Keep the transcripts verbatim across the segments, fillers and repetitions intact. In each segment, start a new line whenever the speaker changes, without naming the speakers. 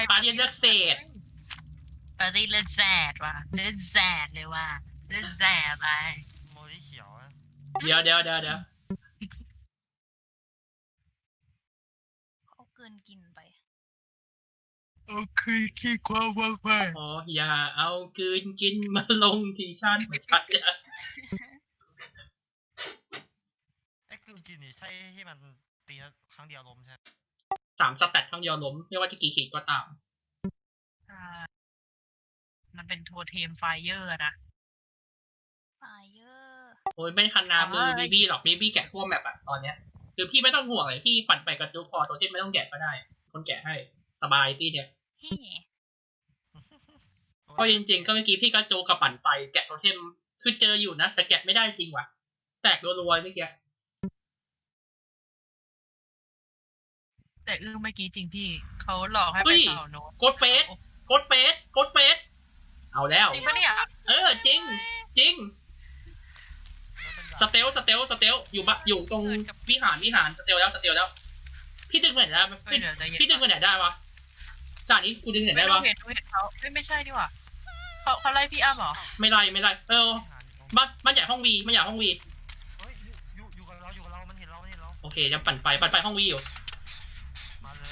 ปาร์ตี้เลือกเศษ
ปาร์ตี้เลือกแซดว่ะเลือกแซดเลยว่ะเลือกแซดไป
โมลี่เขียวอะ
เดี๋ยวเดี๋ยวเดี๋ยวเดี๋ยว
เขาเกินกินไป
เอาคืนขี้ความว่างไป
อ๋ออย่าเอาคืนกินมาลงที่ฉันไม่ใช่อะ
ไอ้คืนกินนี่ใช่ที่มันตีครั้งเดียวล้มใช่
สามสแตทครั้งเดียวล้มไม่ว่าจะกี่ขีดก็ตาม
มันเป็นโทเทมไฟเยอร์นะ
ไฟเยอร์
โอ้ยไม่คันนามือบีบี้หรอกบีบี้แกะทั่วแมปอะตอนเนี้ยคือพี่ไม่ต้องห่วงเลยพี่ปั่นไปกระจุกพอโทเทมไม่ต้องแกะก็ได้คนแกะให้สบายพี่เนี่ยเพราะจริงๆก็เมื่อกี้พี่ก็โจกับปั่นไปแกะโทเทมคือเจออยู่นะแต่แกะไม่ได้จริงว่ะแตกรัวๆเมื่อกี้
แต่อื้อเมื่อกี้จริงพี่เขาหลอกให้ไปต่อโน้ต
กดเฟสกดเฟสกดเฟสเอาแล้ว
จริงปะเนี่ย
เออจริงจริงสเตลสเตลสเตลอยู่บะอยู่ตรงวิหารวิหารสเตลแล้วสเตลแล้วพี่ดึงไปไหนได้พี่ดึงไปไหนได้วะด่านนี้กูดึงไหนได้วะ
ไม่เห็นเห็นเขาไม่ไม่ใช่ดีกว่าเขาเขาไล่พี่อ้ำเหรอ
ไม่ไล่ไม่ไล่เออบ้านบ้านใหญ่ห้องวีไม่ใหญ่ห้องวี
เฮ้ยอยู่อยู่กับเราอยู่กับเรามันเห็นเรามันเห็นเรา
โอเคจะปั่นไปปั่นไปห้องวีอยู่
มาเลย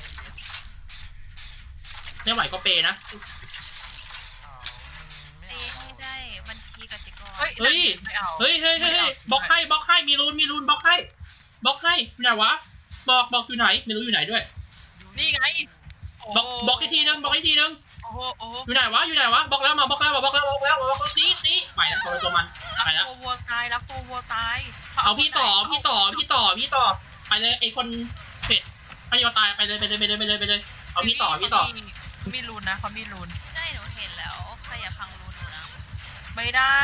ไม่ไหวก็เปนะ
เอ้ให้ได้บัญชีกสิกร
เฮ้ยเฮ้ยเฮ้ยเฮ้ยเฮ้ยบล็อกให้บล็อกให้มีรูนมีรูนบล็อกให้บล็อกให้อยู่ไหนวะบอกบอกอยู่ไหนไม่รู้อยู่ไหนด้วย
นี่ไง
บอกบอกอีกทีนึงบอกอีกทีนึง
โอ้โหโอ้โห
อยู่ไหนวะอยู่ไหนวะบอกแล้วมาบอกแล้วมาบอกแล้วบอกแล้วบอกซีซีไปแล้วตัวตัวมันไปแล้ว
ตัววัวตายรักตัววัวตาย
เอาพี่ต่อพี่ต่อพี่ต่อพี่ต่อไปเลยไอคนเผ็ดไม่ยอมตายไปเลยไปเลยไปเลยไปเลยไปเลยเอาพี่ต่อพี่ต่อ
มีรูนนะเขามีรูน
ใช่หนูเห็นแล้วใครอย่าพังรูนหนูนะ
ไม่ได้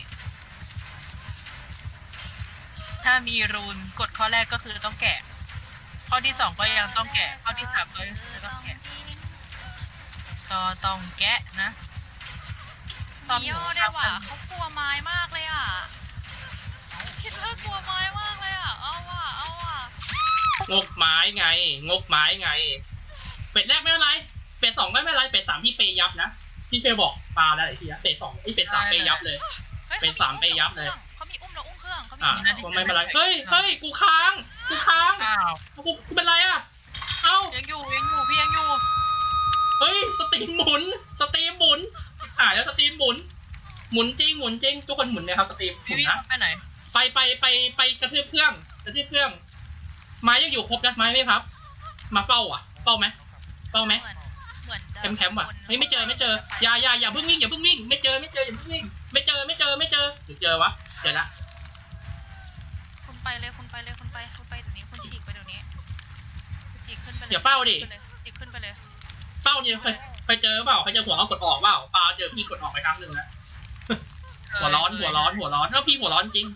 ถ้ามีรูนกฎข้อแรกก็คือต้องแกะข้อที่สองก็ยังต้องแกะข้อที่สามก็ยังต้องแกะก็ต้องแกะนะ
มีย่อได้ว่ะเขากลัวไม้มากเลยอ่ะคิดว่ากลัวไม้มากเลยอ่ะเอาว่ะเอาว่ะ
งกไม้ไงงกไม้ไงเป็ดแรกไม่เป็นไรเป็ดสองไม่เป็นไรเป็ดสามพี่เปยับนะพี่เคยบอกปลาแล้วไอ้ทีนะเป็ดสองไอ้เป็ดสามเปยับเลยเป็ดสามเปยับเลย
เขามีอุ้มเราอุ้มเครื่องเขามี
อ่าไม่เป็นไรเฮ้ยเฮ้ยกูค้างกูค้างกูกูเป็นไรอ่ะเอ้า
ยังอยู่ยังอยู่พี่ยังอยู่
เฮ้ยสตรีมหมุนสตรีมหมุนอ่าแล้วสตรีมหมุนหมุนจริงหมุนจริงทุกคนหมุนไหมครับสตรีมหมุนนะ
ไปไหน
ไปไปไปไปกระทืบเครื่องกระทืบเครื่องไม้ยังอยู่ครบนะไม้ไม่พับมาเฝ้าอ่ะเฝ้าไหมเฝ้าไหมแคมป์แคมป์อ่ะไม่ไม่เจอไม่เจออย่าอย่าอย่าเพิ่งวิ่งอย่าเพิ่งวิ่งไม่เจอไม่เจออย่าเพิ่งวิ่งไม่เจอไม่เจอไม่เจอเจอเจอวะเจอละ
คุณไปเลยคุณไปเลยคุณไปคุณไปเดี๋ยวนี้คุณฉีกไปเดี๋ยวนี้ฉีกขึ้นไปเลย
อย่าเฝ้าดิ
ฉีกขึ้นไปเลย
เฝ้าเนี่ยเคยไปเจอเปล่าไปเจอหัวเขากดออกเปล่าปลาเจอพี่กดออกไปครั้งหนึ่งแล้วหัวร้อนหัวร้อนหัวร้อนแล้วพี่หัวร้อนจริง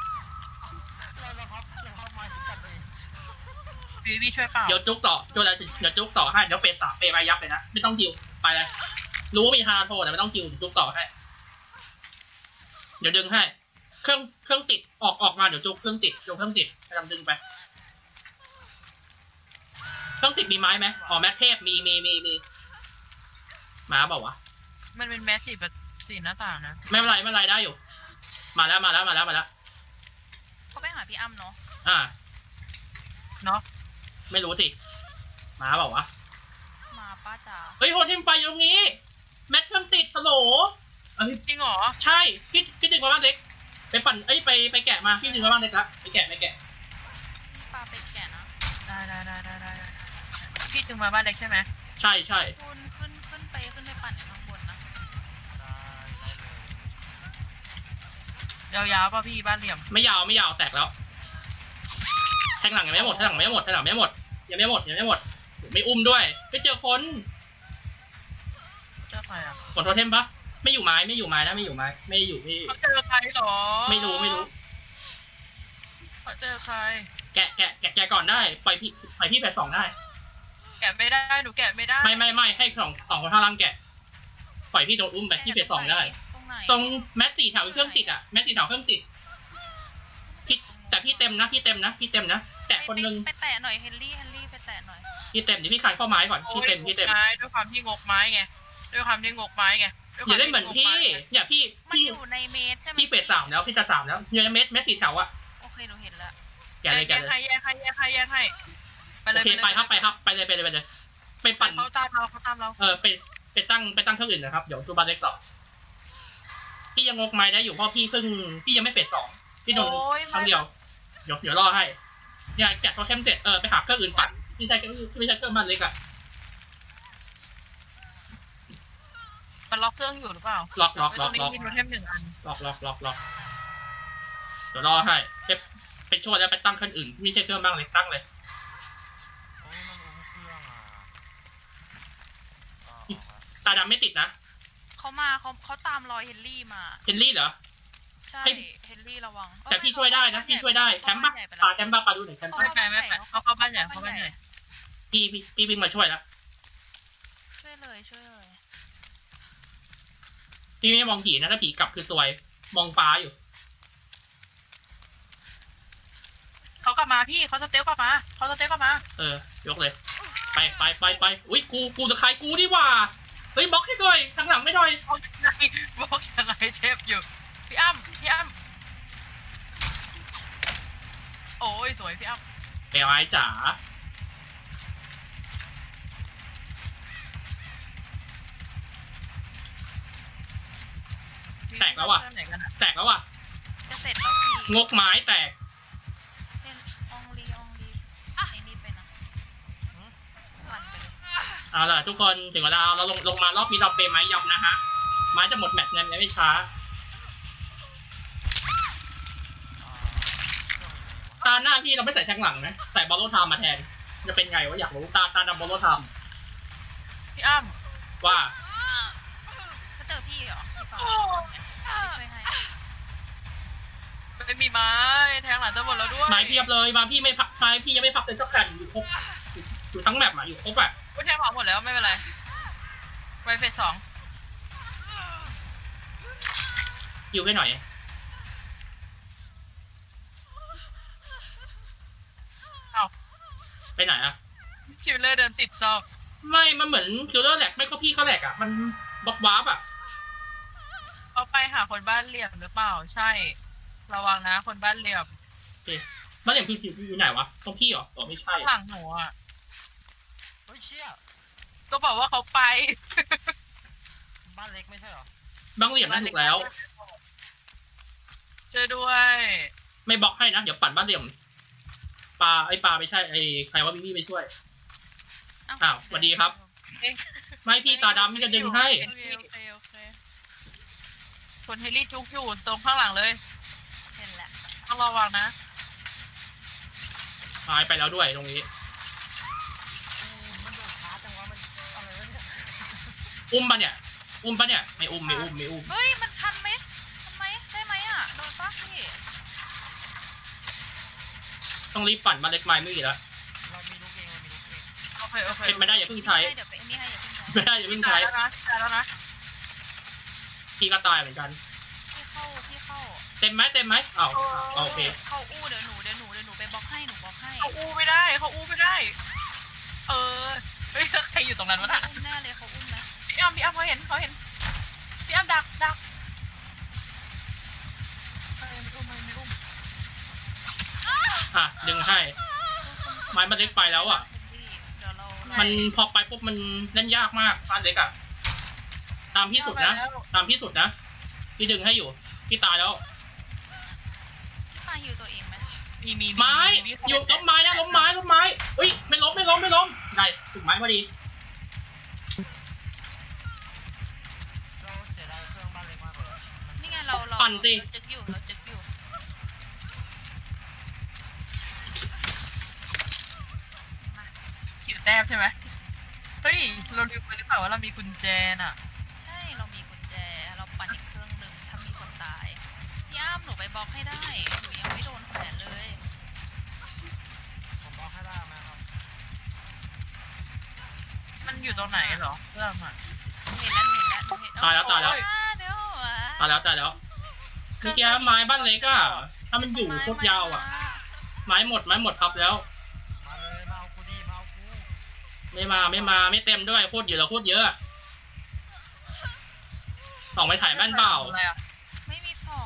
พี่พี่ช่วยเปล่า
เดี๋ยวจุกต่อจุกอะไรเดี๋ยวจุกต่อให้เดี๋ยวเฟสสามเฟสไปยับเลยนะไม่ต้องคิวไปเลยรู้ว่ามีฮาร์โทแต่ไม่ต้องคิวเดี๋ยวจุกต่อให้เดี๋ยวดึงให้เครื่องเครื่องติดออกออกมาเดี๋ยวจุกเครื่องติดจุกเครื่องติดกำลังดึงไปเครื่องติดมีไม้ไหมอ๋อแมทเทพมีมีมีมีมาบอกว่า
มันเป็นแมสสีแบบสีหน้าต่างนะ
ไม่เป็นไรไม่เป็นไรได้อยู่มาแล้วมาแล้วมาแล้วมาแล้ว
เขาไปหาพี่อ้ำเนาะ
อ่า
เนาะ
ไม่รู้สิมาบอกว่า
มาป้าจ๋า
เฮ้ยโฮเทมไฟอยู่ตรงนี้แมทเครื่องติดฮัลโหล
จริงเหรอ
ใช่พี่พี่ดึงมาบ้านเด็กไปปั่นเอ้ยไปไปแกะมาพี่ดึงมาบ้านเด็กละไปแกะไปแกะ
ป้าไปแกะนะ
ได้ได้ได้ได้ได้พี่ดึงมาบ้านเล็กใช่ไหม
ใช่ใช่
ขึ้นขึ้นขึ้นไปขึ้นไปปั่นข้างบนนะ
ยาวๆป่ะพี่บ้านเหลี่ยม
ไม่ยาวไม่ยาวแตกแล้วแทงหลังยังไม่หมดแทงหลังไม่หมดแทงหลังไม่หมดยังไม่หมดยังไม่หมดไม่อุ้มด้วยไปเจอคน
เจอใครอ่ะ
กดโทเทมปะไม่อยู่ไม้ไม่อยู่ไม้นะไม่อยู่ไม้ไม่อยู่พี่
เขาเจอใครหรอ
ไม่รู้ไม่รู้
เขาเจอใคร
แกะแกะแกะแกะก่อนได้ปล่อยพี่ปล่อยพี่แปดสองได้
แกะไม่ได้หนูแกะไม่ได้
ไม่ไม่ไม่ให้สองสองคนข้างล่างแกะปล่อยพี่โดนอุ้มไปพี่แปดสองได้ตรงแมสสี่แถวเครื่องติดอ่ะแมสสี่แถวเครื่องติดพี่แต่พี่เต็มนะพี่เต็มนะพี่เต็มนะแตะคนนึง
ไปแตะหน่อยเฮนรี่เฮนรี่ไปแตะหน่อย
พี่เต็มเดี๋ยวพี่คานเข้าไม้ก่อนพี่เต็มพี่เต็ม
ไม้ด้วยความที่งกไม้ไงด้วยความที่งกไม้ไงด้วยค
อ
วาม
ย่าได้เหมือนพี่อย่าพี่
มัน
พี่
อยู่ในเมตรใช่ไหม
พี่เฟสสามแล้วพี่จะสามแล้วเนี่ยเม็ดเม็ดสีแถวอะ
โอเคหนูเห็นแล้ว
แกเลยแก
แยก
เลย
ให้แยกให้แยกให้แยกให้ไป
โอ
เลย
เคไปครับไปครับไปเลยไปเลยไปเลยไปปั่น
เขาตามเราเขาตามเรา
เออไปไปตั้งไปตั้งเครื่องอื่นนะครับเดี๋ยวซูบาเล็กต่อพี่ยังงกไม้ได้อยู่เพราะพี่เพิ่งพี่ยังไม่เฟสสองพี่โดน
โอ้ย
ครั้งเดียวเดี๋ยวเดี๋ยวรอให้เนี่ยแกะโทเทมเสร็จเออไปหาเครื่องอื่นปั่นพี่ใช้เครื่องพี่ใช้เครื่องมันเล็กอะ
มันล็อกเครื่องอยู่หรือเปล่า
ล็อกล็อก
ต
ล็
ร
อก
งนี้
ล็อก
มีโทเทมหนึ่งอัน
ล็อกล็อกล็อกล็อกเดี๋ยวรอให้ไปไปช่วยแล้วไปตั้งเครื่องอื่นไม่ใช่เครื่องบ้างเล็กตั้งเลย
โอ้ยมันอุ้มเครื่องอ่ะอ๋อ
ตาดำไม่ติดนะ
เขามาเขาเขาตามรอยเฮนรี่มา
เฮนรี่เหรอ
ใช่
ให้
เฮนรี่ระวัง
แต่พี่ช่วยได้นะพี่ช่วยได้แคมป์ปะปลาแคมป์ปะปลาดูหน่อยแคมป์ปะ
ไม่ไปไม่ไปเขาเข้าบ้านใหญ่เขาบ้านใหญ่
พี่พี่พี่วิ่งมาช่วยแล้ว
ช่วยเลยช่วยเลย
พี่ไม่มองผีนะถ้าผีกลับคือซวยมองฟ้าอยู่
เขากลับมาพี่เขาสเต็ปกลับมาเขาสเต็ปกลับมา
เออยกเลย ไปไปไปไปอุ้ยกูกูจะใครกูดีกว่าเฮ้ยบล็อกให้หน่อยทางหลังไม่หน่อย
บอกยังไงบอกยังไงเชฟอยู่พี่อ้ำพี่อ้ำโอ้ยสวยพี่อ้ำ
เอลไอจ๋าแตกแล้วว่ะ
ไหนกันอะ
แตกแล้วว่ะ
จะเสร็จแล้วพี่
งกไม้แตก
เล่นอองลีอองลีไอ้นี่ไปนะปั่นไปเลย
เอาล่ะทุกคนถึงเวลาเราลงลงมารอบนี้เราเปย์ไม้ยำนะฮะไม้จะหมดแมตช์เนี่ยไม่ช้า ตาหน้าพี่เราไม่ใส่แทงหลังนะใส่บอลโลไทม์มาแทนจะเป็นไงวะอยากรู้ตาตาดำบอลโลไทม์
พี่อ้ำ
ว่า
ก็เจอพี่เหรอพี่เปล่าพี่ช่วยให้
ไม่มีไม้แทงหลังจะหมดแล้วด้วย
ไม้เพียบเลยมาพี่ไม่พักไม้พี่ยังไม่พักเลยสักแผ่นอยู่ครบอยู่อยู่ทั้งแมปอ่ะอยู่ครบอ่ะ
ไม่แทงหลังหมดแล้วไม่เป็นไรไปเฟสสอง
อยู่ให้หน่อย
เอ้า
ไปไหนอ่ะ
คิวเลอร์เดินติดซอก
ไม่มันเหมือนคิลเลอร์แหลกไม่ก็พี่เขาแหลกอ่ะมันบล็อกวาร์ปอ่ะ
เขาไปหาคนบ้านเหลี่ยมหรือเปล่าใช่ ระวังนะคนบ้านเหลี่ยม
โอเคบ้านอย่างพี่อยู่ไหนวะตรงพี่เหรออ๋อไม่ใช่
ข้างหลังหนูอ่ะ
เฮ้ยเชี่ย
ก็บอกว่าเขาไป
บ้านเล็กไม่ใช่เหรอ
บ้างเหลี่ยมนั่นถูกแล้ว
ช่วยด้วย
ไม่บล็อกให้นะเดี๋ยวปั่นบ้านเหลี่ยมปลาไอ้ปลาไม่ใช่ไอ้ใครว่ามิมี่ไปช่วย อ้าวสวัสดีครับ ไม่พี่ตาดำพี่จะดึงให้
โอเคโอเคโอเค
คนเฮลี่จุกอยู่ตรงข้างหลังเลย
เห็นแล้ว
ต้องระวังนะ
หายไปแล้วด้วยตรงนี้
มันโดดช้าจังวะมันอะไรวะเนี่ย
อุ้มปะเนี่ย อุ้มปะเนี่ย ไม่อุ้มไม่อุ้มไม่อุ้ม
เฮ้ยมันทันไหมทันไหมได้ไหมอ่ะโดนปะพี่
ต้องรีบปั่นมาเล็กไม้ไม่อีกแล้ว
เรามีลูกเองเรามีลูกเอง
โอเคโอเค
เป็นไม่ได้อย่าเพิ่งใช้
เดี๋ยวไปอันนี้ให้อย่าเพิ่งใช้
ไม่ได้อย่าเพิ่งใช้
ตายแล้วนะตายแล้วนะ
พี่ก็ตายเหมือนกัน
พี่เข้าพี่เข้า
เต็มไหมเต็มไหมอ้าวอ้าวโอเค
เข้าอู้เดี๋ยวหนูเดี๋ยวหนูเดี๋ยวหนูไปบล็อกให้หนูบล็อกให้
เขาอู้ไม่ได้เขาอู้ไม่ได้ เออเฮ้ยใครอยู่ตรงนั้นวะน่ะ
อุ้มแน่เลยเขาอุ้มนะ
พี่อ้ำพี่อ้ำเขาเห็นเขาเห็นพี่อ้ำดักดักเออไม่อุ้มไม่ไม่อุ้ม
อ่ะดึงให้ ไม้มันเล็กไปแล้วอ่ะ
เดี๋ยวเรา
มันพอไปปุ๊บมันเล่นยากมากบ้านเล็กอ่ะ ตามพี่สุดนะ ตามพี่สุดนะ พี่ดึงให้อยู่ พี่ตายแล้ว
พี่ปาฮิวตัวเองไหม
มีมี
ไม้ อยู่ล้มไม้นะล้มไม้ล้มไม้อุ้ยไม่ล้มไม่ล้มไม่ล้มได้ถึงไม้พอดี
เราเสียดายเครื่องบ้านเล็กมากเลย
นี่ไงเราเรา
ปั่นสิ
เราจึกอยู่เราจึกอยู่
ขิวแต้มใช่ไหมเฮ้ยเราลืมไปหรือเปล่าว่าเรามีกุญแจน่ะ
ใช่เรามีกุญแจเราปั่นอีกเครื่องหนึ่งถ้ามีคนตายพี่อ้ามหนูไปบล็อกให้ได้หนูยังไม่โดนแขวนเลย
ผมบล็อกให้ได้ไหมครับ
มันอยู่ตรงไหนเหรอเรื่องอ่ะ
เห็นแล้วหนูเห็นแล้วหนูเห็น
ตายแล้วตายแล้ว
อ่เดี๋ยวอ่ะ
ตายแล้วตายแล้วคือแกไม้บ้านเล็กอ่ะ ถ้ามันอยู่โคตรยาวอ่ะ ไม้หมดไม้หมดพับแล้ว
มาเลยมาเอากูดีมาเอากู
ไม่มาไม่มาไม่เต็มด้วยโคตรเยอะโคตรเยอะส่องไปถ่ายบ้านเปล่า
อะไรอ่ะ
ไม่มีส่อง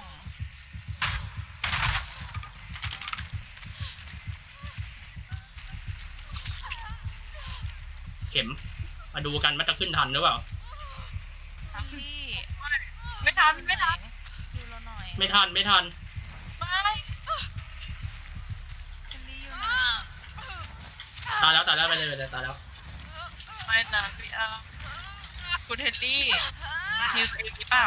เข็ม มาดูกันว่าจะขึ้นทันหรือเปล่า
ทันลี่
ไม่ทันไม่ทัน
อยู่เราหน่อย
ไม่ทันไม่ทัน
ไม่
ทันลี่อยู่ไหน
ตายแล้วตายแล้วไปเลยไปเลยตายแล้ว
ไม่นะพี่อาคุณเฮนรี่ฮิวตัวเองหรือเปล่า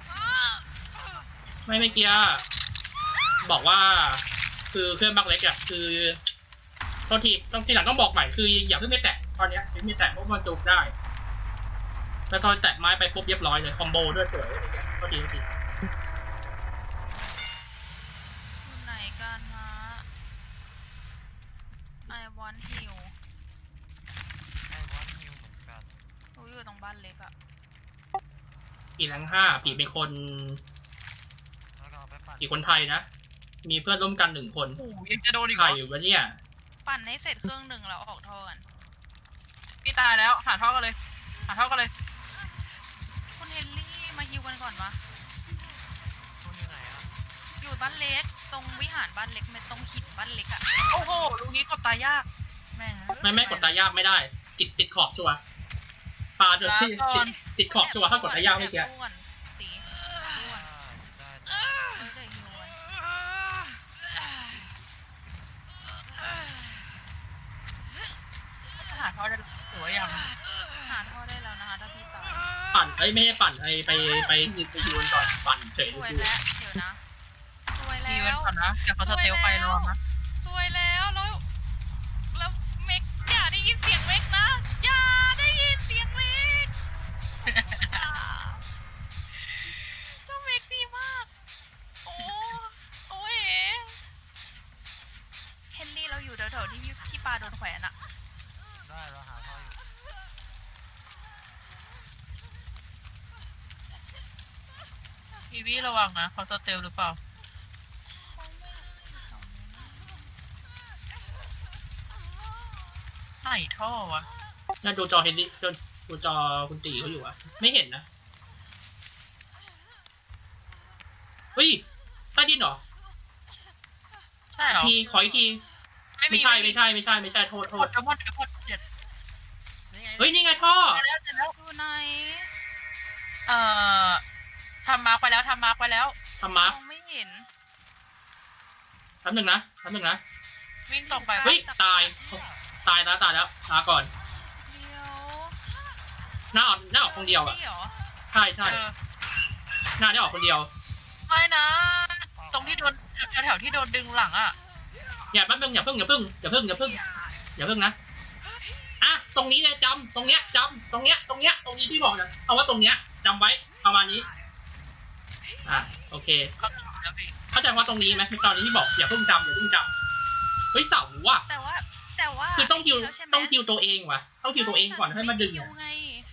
ไม่ไม่เกียบอกว่า คือเครื่องบักเล็กอะคือโทษทีต้องทีหลังต้องบอกใหม่คืออย่าเพิ่งไม่แตะตอนเนี้ยยังไม่แตะเพราะมันจูบได้แล้วตอนแตะไม้ไปปุ๊บเรียบร้อยเลยคอมโบด้วยสวยเลยโทษทีโทษที
อยู่ไหนกันนะ I want heal
ไอ้วันฮิวเหมือนกัน
รู้อยู่ตรงบ้านเล็กอะ
ปีแรงห้าปีเป็นคน
แล้วก็เอาไปปั่น
ปีคนไทยนะมีเพื่อนร่วมกันหนึ่งคน
โอ้ยังจะโดนอีก
ใค
เห
ร
รอ
อยู่วะเนี่ย
ปั่นให้เสร็จเครื่องหนึ่งแล้วออกท่อกัน
พี่ตายแล้วหาท่อกันเลย หาท่อกันเลย
คุณเฮนรี่มาฮิวกันก่อนวะ
คุณอยู่ไหนอ่ะ
อยู่บ้านเล็ก ตรงวิหารบ้านเล็กไม่ตรงหินบ้านเล็กอะ
โอ้โหลูกนี้กดตายยาก แม่ง
ไม่ไม่กดตายากไม่ได้ ติดติดขอบชัวร์ปลาเดือดที่ติดติดขอบชัวร์ถ้ากดตายากไม่เกี่ย
แอบสู้ก่อนตีสู้ก่อน
ได้ได้
ไม่ได้ฮิวกัน
จะหาท่อได้สวยอย่าง
หาท่อได้แล้วนะคะถ้าพี่ตาย
ปั่นเอ้ยไม่ให้ปั่นไอไปไปไปยืนก่อนปั่นเฉย
ส
ดู
วย
ดู
แล้วเดี๋ยวนะสวย
ดี
แล้
เว้น
ว
ก่อนนะเดี๋ยวเขาสเตลไปรอนะ
สวยแล้วแล้วแล้วเมกอย่าได้ยินเสียงเมกนะอย่าได้ยินเสียงเมกอย่าแล้วเมกดีมากโอ้โอ้ยเฮนรี่เราอยู่แถวๆที่พี่พี่ปาโดนแขวนอะ
ได้เราหาท่ออยู่
พีวีระวังนะเขาสเตลหรือเปล่าไหนท่อวะ
น่าดูจอเฮนรี่จนดูจอคุณตีเขาอยู่อะไม่เห็นนะเฮ้ยใต้ดินเหรอ
ใช่เหรอ
ทีขออีกทีไม่ใช่ไม่ใช่ไม่ใช่ไม่ใช่โทษโท
ก
ษ
ดเดมอนเดมอนเจ็ด
นี่ไง
เฮ้ยนี่ไงท่อ
ไปแล้วไปแล้ว
อยู่ไหน
เอ่อทำมาร์กไปแล้วทำมาร์กไปแล้ว
ทำมาร์ค
มองไม่เห็น
แป๊บหนึ่งนะแป๊บหนึ่งนะ
วิ่งตรงไป
เฮ้ยตายตายแล้วตายแล้วลาก่อน
เดี๋ยว
หน้าออกหน้าออกคนเดียวอะ
นี่เหรอ
ใช่ใช่
เออ
หน้าได้ออกคนเดียว
ไม่นะ ตรงที่โดนแถวๆที่โดนดึงหลังอ่ะ
อย่าแป๊บนึงอย่าเพิ่งอย่าเพิ่งอย่าเพิ่งอย่าเพิ่งอย่าเพิ่งนะอ่ะตรงนี้เลยจำตรงเนี้ยจำตรงเนี้ยตรงเนี้ยตรงนี้พี่บอกนะเอาว่าตรงเนี้ยจำไว้ประมาณนี้อ่ะโอเค
เขาถูกแล้วพี่
เข้าใจว่าตรงนี้ไหมตอนนี้พี่บอกอย่าเพิ่งจำอย่าเพิ่งจำเฮ้ยเสาว่ะ
แต่ว่าแต่ว่า
คือต้องคิว
แล้วใช่ไหม
ต้องคิวตัวเองว่ะต้องคิวตัวเองก่อนให้มาดึง
คิว
อะ
ไง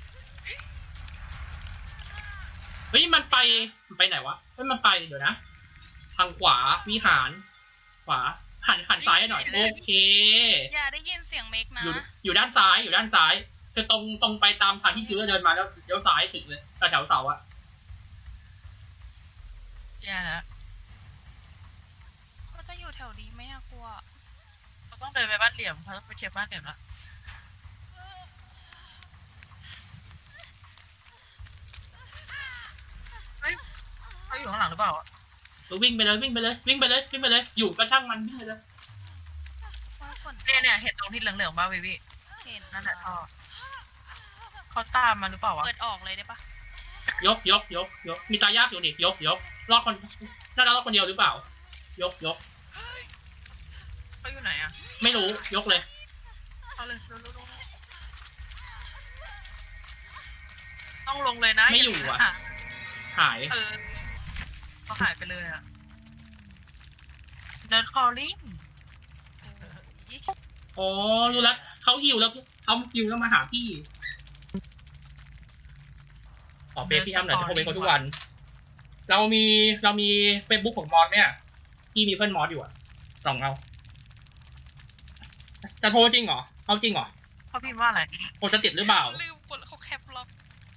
เฮ้ยมันไปมันไปไหนวะเฮ้ยมันไปเดี๋ยวนะทางขวาวิหาร ขวาหันหันซ้ายหน่อยโอเค
อย่าได้ยินเสียงเมกนะ
อยู่อยู่ด้านซ้ายอยู่ด้านซ้ายคือตรงตรงไปตามทางที่คิวจะเดินมาแล้วเลี้ยวซ้ายถึงเลยแถวเสาอะ
แย่แล้ว
ก็จะอยู่แถวนี้ไหมอะกลัว
เขาต้องเดินไปบ้านเหลี่ยมเขาต้องไปเช็คบ้านเหลี่ยมแล้วเฮ้ยเขาอยู่ข้างหลังหรือเปล่าอะ
วิ่งไปเลยวิ่งไปเลยวิ่งไปเลยวิ่งไปเลยอยู่ก็ช่างมันวิ่งไปเลย
ว่าฝน
เนี่ยเนี่ยเห็นตรงที่เหลืองๆบ้าวิวิ
เห็น
นั่นแหละท่อเขาตามมาหรือเปล่าวะ
เปิดออกเลยได้ปะ
ยกยกยกยกมีตายากอยู่ดิยกยกรอดคนน่าจะรอดคนเดียวหรือเปล่า ยกยก
เขาอยู่ไหนอะ
ไม่รู้ยกเลย
เอาเลยเร็วๆต้องลงเลยนะ
ไม่อยู่อะ
า
หาย
เออเขาหายไปเลยอะเดินคอลลิ่ง
อ๋อรู้แล้วเขาหิวแล้วเขาหิวแล้วมาหาพี่ขอเฟซพี่อ้ำหน่อยจะโทรไปเขาทุกวัน เรามีเรามีเฟซบุ๊กของมอสเนี่ยพี่มีเพื่อนมอสอยู่อะส่องเอาจะโทรจริงเหรอเอาจริงเหรอ
เขาพิมพ์ว่าอะไร
โอจะติดหรือเปล่า
ลืมกดแล้วเขาแคปล็อก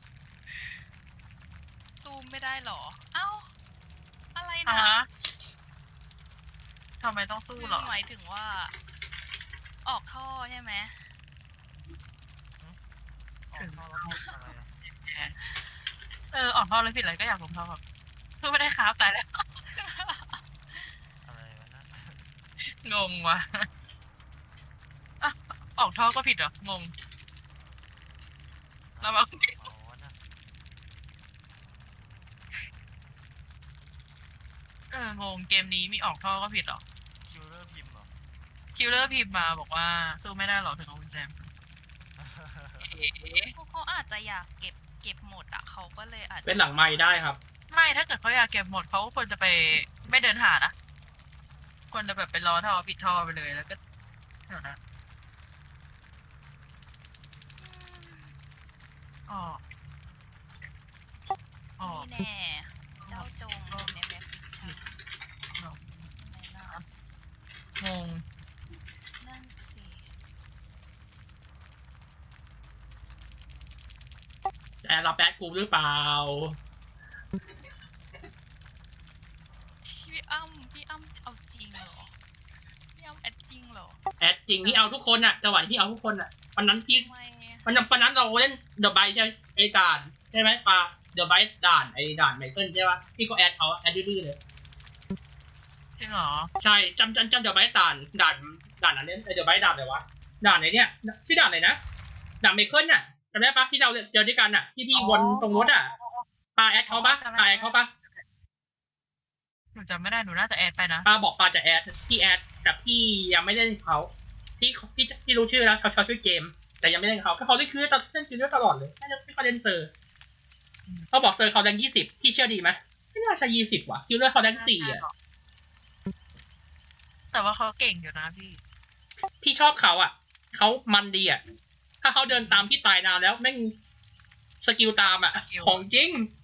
ซูมไม่ได้หรอ เอ้า อะไร
อ่ะ
นะ
ฮะทำไมต้องสู้
คือ
เหรอ
หมายถึงว่า ออกท่อใช่ไหม
ออกเข้าแล้วอะไรอะ
เออออกท่อเลยผิดอะไรก็อยากลงท่อครับคือไม่ได้ครับตายแล้ว
อะไรวะนะ
งงว่ะอ่ะออกท่อก็ผิดเหรอ งง แล้วมา
อ๋อนะ
เอองงเกมนี้มีออกท่อก็ผิดเหรอ
คิวเลอร์พิมพ์เหรอ
คิวเลอร์พิมพ์มาบอกว่าสู้ไม่ได้หรอกถึงเอากุญแจมาเอ๊ะ
พวกเขาอาจจะอยากเก็บเก็บหมดอ่ะเขาก็เลยอาจจะ
เป็นหลังไม้ได้ครับ
ไม่ถ้าเกิดเขาอยากเก็บหมดเขาควรจะไปไม่เดินหานะควรจะแบบไปรอท่อปิดท่อไปเลยแล้วก็เดี๋ยวนะอ๋ออ๋อ
นี่แน่ เจ้าจงอยู่ในแบ็คฟิชั่น
อ๋อ
ไม่น่าง
ง
นั่นสิ
แต่รับแบดกูหรือเปล่า
พี่อ้ำพี่อ้ำเอาจริงเหรอ พี่อ้ำแอดจริงเหรอ
แอดจริงที่เอาทุกคนอะจังหวะที่เอาทุกคนอะวันนั้นพี่
ทำไม
วันนั้นวันนั้นเราเล่นเดอะไบใช่ไหมไอ้ด่านใช่ไหมปลาเดอะไบด่านไอ้ด่านไมเคิลใช่ปะพี่ก็แอดเขาแอดดื้อๆเลย
จริงเหรอ
ใช่จำจำจำเดอะไบด่านด่านด่านนั้นเนี่ยเดอะไบด่านอะไรวะด่านไหนเนี่ยชื่อด่านอะไรนะด่านไมเคิลน่ะจำได้ปะที่เราเจอด้วยกันอะที่พี่วนตรงรถอะปลาแอดเขาปะปลาแอดเขาปะ
หนูจำไม่ได้หนูน่าจะแอดไปนะ
ปลาบอกปลาจะแอดพี่แอดแต่พี่ยังไม่เล่นเขาพี่พี่พี่รู้ชื่อแล้วเขาชอบชื่อเจมส์แต่ยังไม่เล่นเขาก็เขาได้ชื่อตลอดเล่นชื่อตลอดเลยไม่ได้ไม่ค่อยเล่นเซอร์เขาบอกเซอร์เขาแรงยี่สิบพี่เชื่อดีไหมไม่น่าใช่ยี่สิบว่ะคิวเลอร์เขาแรงสี่อ่ะ
แต่ว่าเขาเก่งอยู่นะพี่
พี่ชอบเขาอ่ะเขามันดีอ่ะถ้าเขาเดินตามพี่ตายนานแล้วแม่งสกิลตามอ่ะของจริง